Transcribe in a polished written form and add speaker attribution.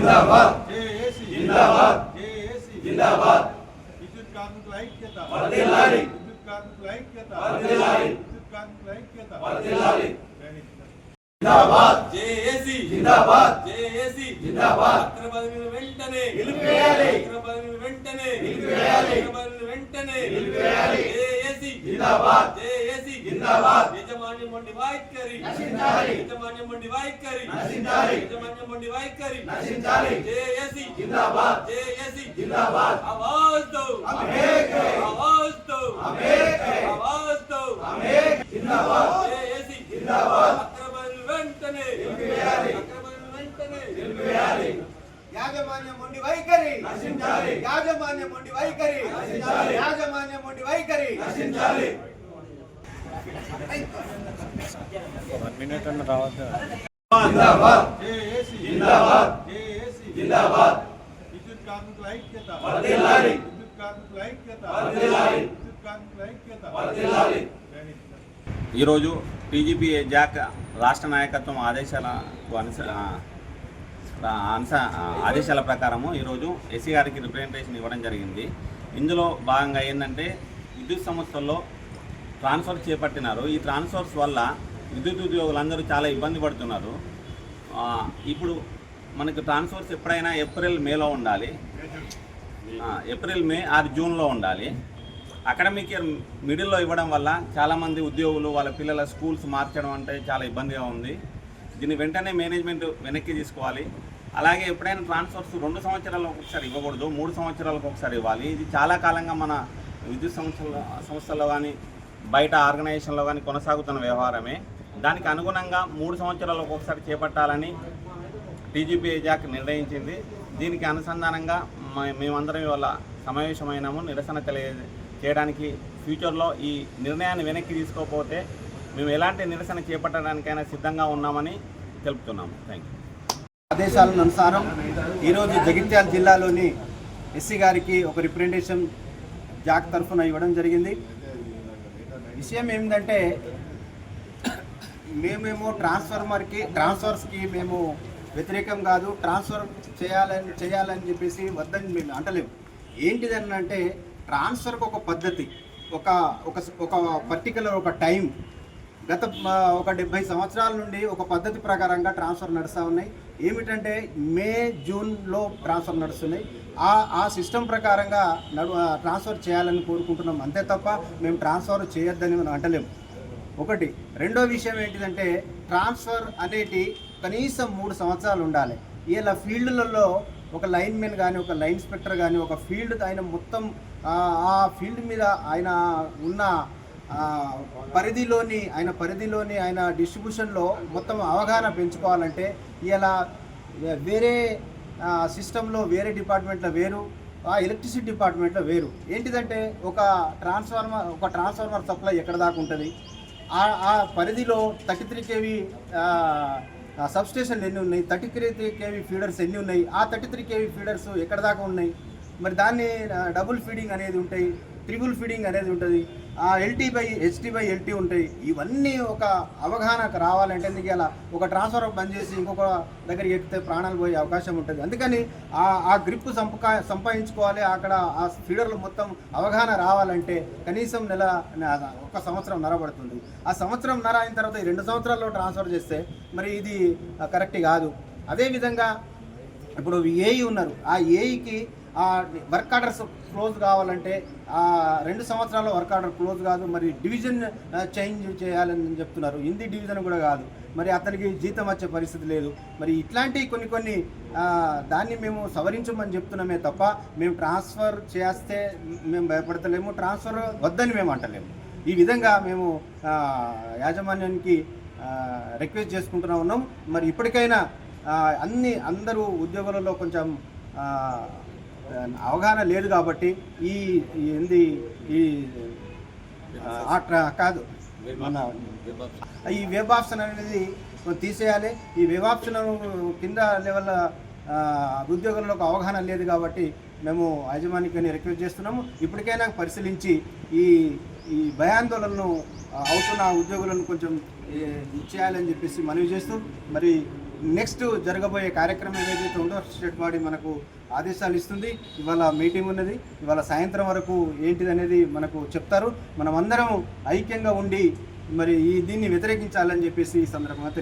Speaker 1: జిందాబాద్
Speaker 2: JAC
Speaker 1: జిందాబాద్
Speaker 2: JAC
Speaker 1: జిందాబాద్
Speaker 2: విద్యుత్ కార్మికుల ఐక్యత
Speaker 1: వర్ధిల్లాలి
Speaker 2: విద్యుత్ కార్మికుల ఐక్యత
Speaker 1: వర్ధిల్లాలి
Speaker 2: విద్యుత్ కార్మికుల ఐక్యత
Speaker 1: వర్ధిల్లాలి జిందాబాద్
Speaker 3: జేఏసీ
Speaker 1: జిందాబాద్
Speaker 3: జేఏసీ
Speaker 1: జిందాబాద్
Speaker 3: అక్రమాలను వెంటనే
Speaker 1: నిలిపివేయాలి
Speaker 3: అక్రమాలను వెంటనే
Speaker 1: నిలిపివేయాలి
Speaker 3: అక్రమాలను వెంటనే
Speaker 1: నిలిపివేయాలి
Speaker 3: జేఏసీ
Speaker 1: జిందాబాద్
Speaker 3: జేఏసీ
Speaker 1: జిందాబాద్
Speaker 3: యజమాన్యం వంటి వైఖరి
Speaker 1: నశించాలి
Speaker 3: యజమాన్యం వంటి వైఖరి
Speaker 1: నశించాలి
Speaker 3: యజమాన్యం వంటి వైఖరి
Speaker 1: నశించాలి
Speaker 3: జేఏసీ
Speaker 1: जिंदाबाद
Speaker 3: జేఏసీ
Speaker 1: जिंदाबाद
Speaker 3: आवाज दो
Speaker 1: हम एक हैं
Speaker 3: आवाज दो
Speaker 1: हम एक हैं
Speaker 3: आवाज दो
Speaker 1: हम एक जिंदाबाद
Speaker 3: జేఏసీ
Speaker 1: जिंदाबाद
Speaker 3: అక్రమాలను వెంటనే
Speaker 1: నిలిపివేయాలి
Speaker 3: అక్రమాలను వెంటనే
Speaker 1: నిలిపివేయాలి
Speaker 4: యాజమాన్యం ఉండి వైఖరి
Speaker 1: నశించాలి
Speaker 4: యాజమాన్యం ఉండి వైఖరి
Speaker 1: నశించాలి
Speaker 4: యాజమాన్యం ఉండి వైఖరి
Speaker 1: నశించాలి जिंदाबाद
Speaker 2: జేఏసీ
Speaker 1: जिंदाबाद
Speaker 2: జేఏసీ
Speaker 1: जिंदाबाद
Speaker 2: విద్యుత్ కార్మికుల ఐక్యత
Speaker 1: వర్ధిల్లాలి
Speaker 2: విద్యుత్ కార్మికుల ఐక్యత
Speaker 1: వర్ధిల్లాలి
Speaker 2: విద్యుత్ కార్మికుల ఐక్యత
Speaker 1: వర్ధిల్లాలి
Speaker 5: ఈరోజు టీజీపీ జాక్ రాష్ట్ర నాయకత్వం ఆదేశాల ప్రకారము ఈరోజు ఎస్సీ గారికి రిప్రజెంటేషన్ ఇవ్వడం జరిగింది. ఇందులో భాగంగా ఏంటంటే విద్యుత్ సంస్థల్లో ట్రాన్స్ఫర్ చేపట్టినారు. ఈ ట్రాన్స్ఫర్స్ వల్ల విద్యుత్ ఉద్యోగులందరూ చాలా ఇబ్బంది పడుతున్నారు. ఇప్పుడు మనకు ట్రాన్స్ఫర్స్ ఎప్పుడైనా ఏప్రిల్ మేలో ఉండాలి, ఏప్రిల్ మే ఆర్ జూన్లో ఉండాలి. అకాడమిక్ ఇయర్ మిడిల్లో ఇవ్వడం వల్ల చాలామంది ఉద్యోగులు వాళ్ళ పిల్లల స్కూల్స్ మార్చడం అంటే చాలా ఇబ్బందిగా ఉంది. దీన్ని వెంటనే మేనేజ్మెంట్ వెనక్కి తీసుకోవాలి. అలాగే ఎప్పుడైనా ట్రాన్స్ఫర్స్ 2 సంవత్సరాలకు ఒకసారి ఇవ్వకూడదు, 3 సంవత్సరాలకు ఒకసారి ఇవ్వాలి. ఇది చాలా కాలంగా మన విద్యుత్ సంస్థల్లో కానీ బయట ఆర్గనైజేషన్లో కానీ కొనసాగుతున్న వ్యవహారమే. దానికి అనుగుణంగా 3 సంవత్సరాలకు ఒకసారి చేపట్టాలని టీజీపీ జాక్ నిర్ణయించింది. దీనికి అనుసంధానంగా మేమందరం ఇవాళ సమావేశమైనాము. నిరసన చేయడానికి ఫ్యూచర్లో ఈ నిర్ణయాన్ని వెనక్కి తీసుకోకపోతే మేము ఎలాంటి నిరసన చేపట్టడానికైనా సిద్ధంగా ఉన్నామని తెలుపుతున్నాము. Thank you.
Speaker 4: ఆదేశాల అనుసారం ఈరోజు జగిత్యాల జిల్లాలోని ఎస్సీ గారికి ఒక రిప్రజెంటేషన్ జాక్ తరఫున ఇవ్వడం జరిగింది. విషయం ఏమిటంటే మేమేమో ట్రాన్స్ఫర్స్కి మేము వ్యతిరేకం కాదు, ట్రాన్స్ఫర్ చేయాలని చెప్పేసి వద్దని మేము అంటలేము. ఏంటిదని అంటే ట్రాన్స్ఫర్కి ఒక పద్ధతి, ఒక పర్టికులర్ ఒక టైం, గత ఒక 70 సంవత్సరాల నుండి ఒక పద్ధతి ప్రకారంగా ట్రాన్స్ఫర్ నడుస్తూ ఉన్నాయి. ఏమిటంటే మే జూన్లో ట్రాన్స్ఫర్ నడుస్తున్నాయి. ఆ సిస్టమ్ ప్రకారంగా ట్రాన్స్ఫర్ చేయాలని కోరుకుంటున్నాం, అంతే తప్ప మేము ట్రాన్స్ఫర్ చేయొద్దని మనం అంటలేము. ఒకటి. రెండో విషయం ఏంటిదంటే ట్రాన్స్ఫర్ అనేది కనీసం 3 సంవత్సరాలు ఉండాలి. ఇలా ఫీల్డ్లలో ఒక లైన్మెన్ కానీ, ఒక లైన్ ఇన్స్పెక్టర్ కానీ, ఒక ఫీల్డ్ ఆయన మొత్తం ఆ ఫీల్డ్ మీద ఆయన ఉన్న పరిధిలోని ఆయన డిస్ట్రిబ్యూషన్లో మొత్తం అవగాహన పెంచుకోవాలంటే ఇలా వేరే సిస్టంలో వేరే డిపార్ట్మెంట్లో వేరు, ఎలక్ట్రిసిటీ డిపార్ట్మెంట్లో వేరు. ఏంటిదంటే ఒక ట్రాన్స్ఫార్మర్ సప్లై ఎక్కడ దాకా ఉంటుంది, ఆ పరిధిలో 33 kV సబ్స్టేషన్లు ఎన్ని ఉన్నాయి, 33 kV ఫీడర్స్ ఎన్ని ఉన్నాయి, ఆ 33 kV ఫీడర్స్ ఎక్కడ దాకా ఉన్నాయి, మరి దాన్ని డబుల్ ఫీడింగ్ అనేది ఉంటాయి, ట్రిపుల్ ఫీడింగ్ అనేది ఉంటుంది, HT/LT ఉంటాయి. ఇవన్నీ ఒక అవగాహనకు రావాలంటే ఎందుకు ఇలా ఒక ట్రాన్స్ఫర్ బంద్ చేసి ఇంకొక దగ్గరికి ఎక్కితే ప్రాణాలు పోయే అవకాశం ఉంటుంది. అందుకని ఆ గ్రిప్ సంపాదించుకోవాలి. అక్కడ ఆ ఫీడర్లు మొత్తం అవగాహన రావాలంటే కనీసం ఒక సంవత్సరం నరబడుతుంది. ఆ సంవత్సరం నర అయిన తర్వాత 2 సంవత్సరాల్లో ట్రాన్స్ఫర్ చేస్తే మరి ఇది కరెక్ట్ కాదు. అదేవిధంగా ఇప్పుడు ఏఈ ఉన్నారు, ఆ ఏఈకి వర్క్ ఆర్డర్స్ క్లోజ్ కావాలంటే 2 సంవత్సరాల్లో వర్క్ ఆర్డర్ క్లోజ్ కాదు. మరి డివిజన్ చేంజ్ చేయాలని చెప్తున్నారు, హిందీ డివిజన్ కూడా కాదు. మరి అతనికి జీతం వచ్చే పరిస్థితి లేదు. మరి ఇట్లాంటి కొన్ని దాన్ని మేము సవరించమని చెప్తున్నామే తప్ప మేము ట్రాన్స్ఫర్ చేస్తే మేము భయపడతలేము, ట్రాన్స్ఫర్ వద్దని మేము అంటలేము. ఈ విధంగా మేము యాజమాన్యానికి రిక్వెస్ట్ చేసుకుంటూ ఉన్నాం. మరి ఇప్పటికైనా అందరూ ఉద్యోగులలో కొంచెం అవగాహన లేదు కాబట్టి కాదు ఈ వెబ్ ఆప్షన్ అనేది తీసేయాలి. ఈ వెబ్ ఆప్షన్ కింద లెవెల్ ఉద్యోగులకు అవగాహన లేదు కాబట్టి మేము యాజమాన్యాన్ని రిక్వెస్ట్ చేస్తున్నాము. ఇప్పటికైనా పరిశీలించి ఈ భయాందోళనను అవుతున్న ఉద్యోగులను కొంచెం చేయాలని చెప్పేసి మనవి చేస్తూ మరి నెక్స్ట్ జరగబోయే కార్యక్రమం ఏదైతే ఉందో స్టేట్ బాడీ మనకు ఆదేశాలు ఇస్తుంది. ఇవాళ మీటింగ్ ఉన్నది, ఇవాళ సాయంత్రం వరకు ఏంటిది అనేది మనకు చెప్తారు. మనం అందరం ఐక్యంగా ఉండి మరి దీన్ని వ్యతిరేకించాలని చెప్పేసి ఈ సందర్భంగా